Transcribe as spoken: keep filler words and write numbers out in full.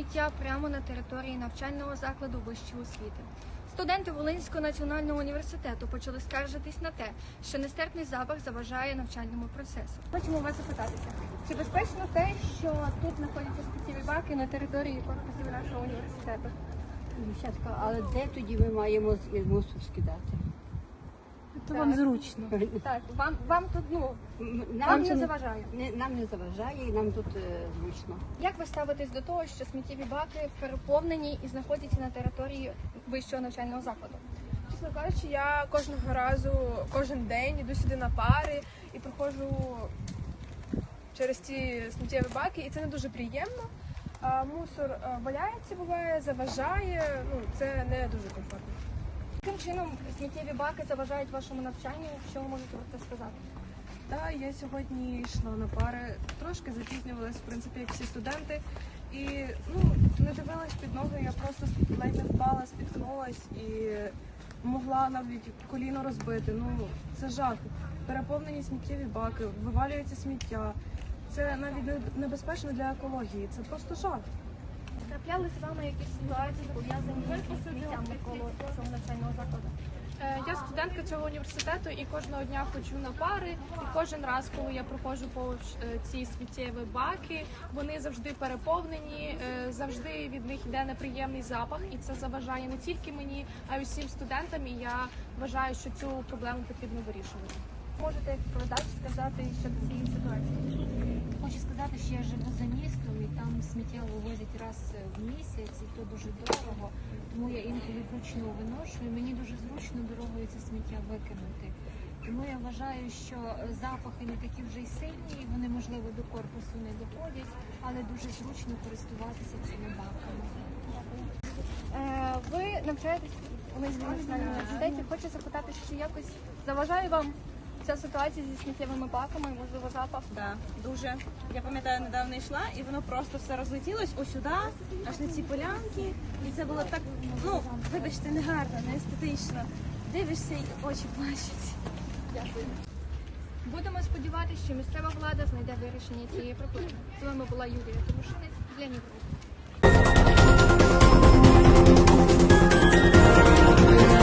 сміття прямо на території навчального закладу вищої освіти. Студенти Волинського національного університету почали скаржитись на те, що нестерпний запах заважає навчальному процесу. Хочемо вас запитатися, чи безпечно те, що тут знаходяться сміттєві баки на території корпусів нашого університету? Дівчатка, але де тоді ми маємо мусор скидати? То вам зручно. Так, вам, вам тут, ну, Нам вам це не заважає. Не, нам не заважає і нам тут е, зручно. Як ви ставитесь до того, що сміттєві баки переповнені і знаходяться на території вищого навчального закладу? Чесно кажучи, я кожного разу, кожен день іду сюди на пари і проходжу через ці сміттєві баки, і це не дуже приємно. А, мусор а, валяється, буває, заважає, ну це не дуже комфортно. Яким чином сміттєві баки заважають вашому навчанню? Що ви можете про це сказати? Та я сьогодні йшла на пари, трошки запізнювалась, в принципі, як всі студенти. І ну, не дивилась під ноги, я просто ледь не впала, спіткнулась і могла навіть коліно розбити. Ну, це жах. Переповнені сміттєві баки, вивалюється сміття. Це навіть не- небезпечно для екології, це просто жах. Трапляли з вами якісь ситуації, пов'язані з сміттям навколо цього навчального закладу? Е, Я студентка цього університету і кожного дня ходжу на пари. І кожен раз, коли я проходжу повз е, ці сміттєві баки, вони завжди переповнені, е, завжди від них йде неприємний запах, і це заважає не тільки мені, а й усім студентам. І я вважаю, що цю проблему потрібно вирішувати. Можете як передач сказати щодо цієї ситуації? Хочу сказати, що я живу за містом і там сміття вивозять раз в місяць, і то дуже дорого. Тому я інколи вручну виношую. Мені дуже зручно дорогою це сміття викинути. Тому я вважаю, що запахи не такі вже й сильні, і вони, можливо, до корпусу не доходять, але дуже зручно користуватися цими баками. Е, Ви навчаєтесь у Волинському національному університеті. Хочу запитати, чи якось заважає вам ця ситуація зі сміттєвими баками, можливо, запах? Да, дуже. Я пам'ятаю, недавно йшла, і воно просто все розлетілось ось сюди, аж на ці полянки. І це було так, ну, вибачте, негарно, не естетично. Дивишся і очі плачуть. Дякую. Будемо сподіватися, що місцева влада знайде вирішення цієї проблеми. З вами була Юлія Тимошинець для Ніколи.